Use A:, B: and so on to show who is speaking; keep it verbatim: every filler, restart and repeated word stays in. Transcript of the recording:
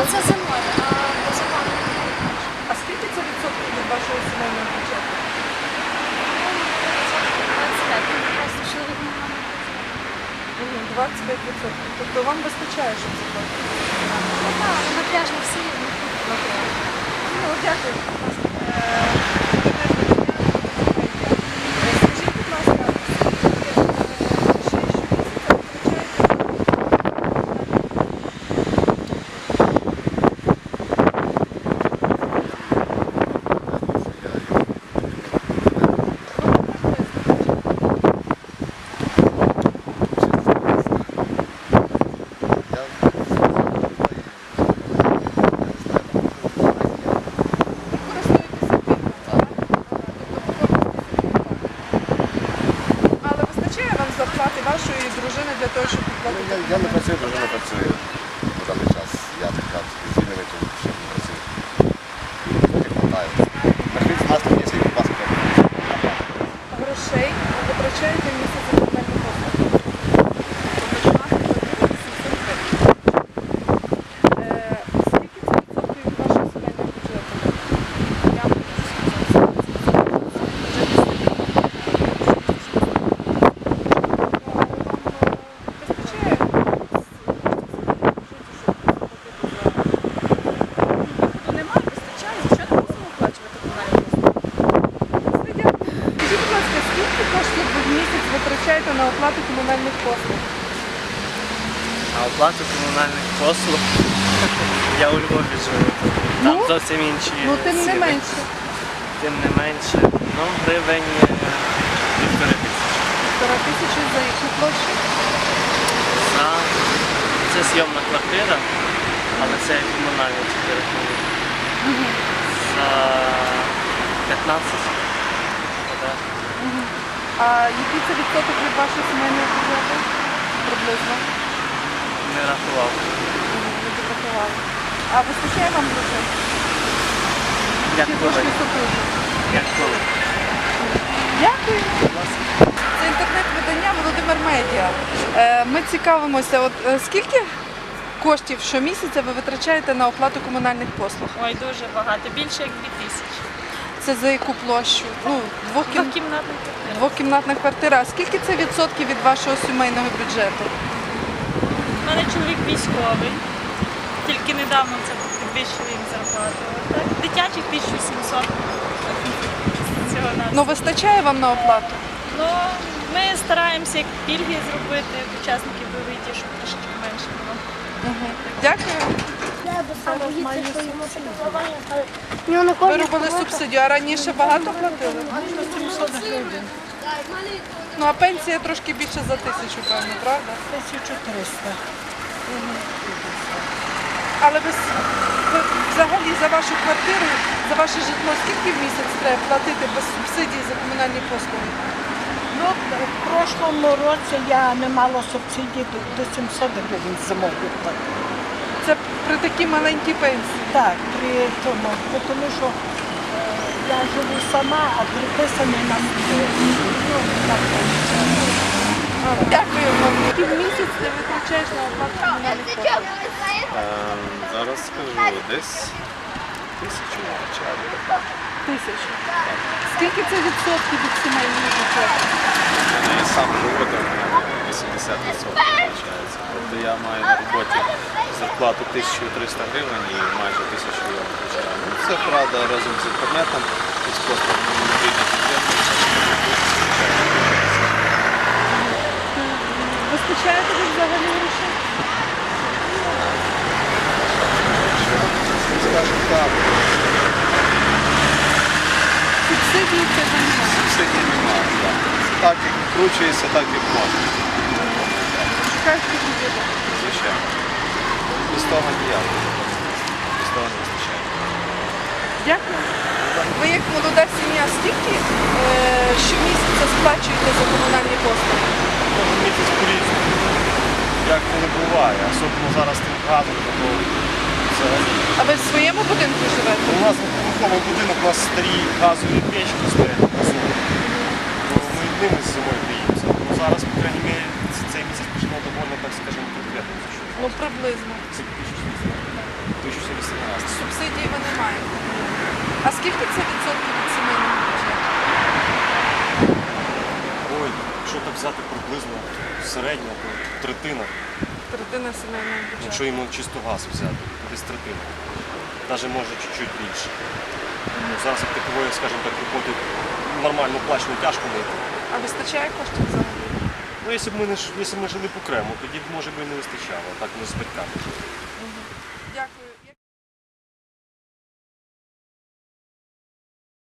A: це зимою, а безопасно.
B: А скільки це відсотків від вашого сімейного бюджету?
A: двадцять п'ять. Просто чоловік не має.
B: Мгм, двадцять п'ять відсотків. Тобто вам вистачає, щоб заплатити?
A: Ну так, на пляж не всі.
B: на пляж? Ну, дякую. Е, Скажіть, будь ласка, ще щомісяця витрачаєте? Але вистачає вам зарплати вашої дружини для того, щоб
C: Ну,
B: підплатити?
C: Я, я не працюю, дружина працює на даний час. Я така звільнений, тому ще не працюю. Трохи хватає. Прийшли з нас місяць, будь ласка.
B: Грошей ви витрачаєте в місяць за комунальні послуги? Е, Скільки це відсотків від вашого сімейного бюджету?
A: Я можу сказати.
B: Вистачає?
A: Ну немає, вистачає. Що не мусимо оплачувати комунальні послуги?
B: Скажіть, будь ласка, скільки коштів ви в місяць витрачаєте на оплату комунальних послуг?
D: А оплату комунальних послуг я у Львові живу. Там
B: Ну,
D: зовсім інші
B: Ну, тим не
D: ціни.
B: менше.
D: Тим не менше. Ну, гривень е, півтори тисячі.
B: Півтора тисячі за яку площу?
D: За... Це зйомна квартира, але це комунальні тільки рахунки. За п'ятнадцять. Квадрат.
B: А який це відсоток від вашого сімейного бюджету? Приблизно.
D: Не рахував.
B: Не підрахували. А вистачає вам грошей?
D: Як
B: Чи
D: коли?
B: трошки супружу?
D: Як коли?
B: Дякую. Це інтернет-видання Володимир Медіа. Е, Ми цікавимося, от е, скільки коштів щомісяця ви витрачаєте на оплату комунальних послуг?
E: Ой, дуже багато, більше як дві тисячі.
B: Це за яку площу? Ну, двохкім...
E: Двокімнатна квартира.
B: двокімнатна квартира. А скільки це відсотків від вашого сімейного бюджету?
E: У мене чоловік військовий, тільки недавно це підвищили їм зарплату. Так, дитячих тисяча сімсот. Цього на
B: Ну, вистачає вам на оплату?
E: Ну, ми стараємося як пільги зробити учасників бойових дій, щоб трошки менше було.
B: Дякую.
A: Ну,
B: Ви робили субсидію, а раніше багато платили? Ну, а пенсія трошки більше за тисячу, певно, правда?
F: тисяча триста.
B: Але ви, с- ви взагалі за вашу квартиру, за ваше житло, скільки в місяць треба платити без субсидій за комунальні послуги?
F: Ну, в прошлому році я не мала субсидій до, до сімсот гривень зимових платила.
B: Це при такій маленькій пенсії.
F: Так, при тому, бо тому що е, я живу сама, а приписаний нам ну, так виходить.
B: Дякую вам. Який місяць ти витрачаєш на оплату комунальних послуг?
C: Ем, Зараз скажу, десь тисячу витрачаю.
B: Тисячу. Скільки це відсотків від сімейного бюджету?
C: Я сам живу, там вісімдесят відсотків витрачається. Тобто я маю на роботі зарплату тисячу триста гривень і майже тисячу я витрачаю. Ну, це правда разом з інтернетом і з послугами мобільних інтернетів.
B: Вистачає тобі взагалі грошей?
C: Скажімо так,
B: Субсидії це немає.
C: субсидій немає. Так. Так як вкручується, так як можна.
B: Шукаєш підвіду.
C: Звичайно. Без того ніяк. Без того не вистачає.
B: Дякую. Ви як молода сім'я, скільки е, щомісяця сплачуєте за комунальні послуги?
G: Кожен місяць по-різному. Як воно буває, особливо зараз тим газом, то взагалі.
B: А ви в своєму будинку живете?
G: У нас двохповерховий будинок, у нас старі газові печки стоять на газу. То ми ними з зимою гріємося. Ну, зараз, по крайній мірі, цей місяць пішло доволі, так скажімо, конкретно.
B: Ну, приблизно.
G: Це тисячу сказати приблизно середня, то третина.
B: Третина сімейного бюджету.
G: Якщо йому чисто газ взяти, то десь третина. Навіть може чуть-чуть більше. Ну, зараз як такової, скажімо так, виходить нормально оплачено, тяжко знайти.
B: А вистачає коштів взагалі?
G: Ну, якщо б ми не ж- якщо б ми жили б окремо, тоді б може би і не вистачало, так ми з батьками.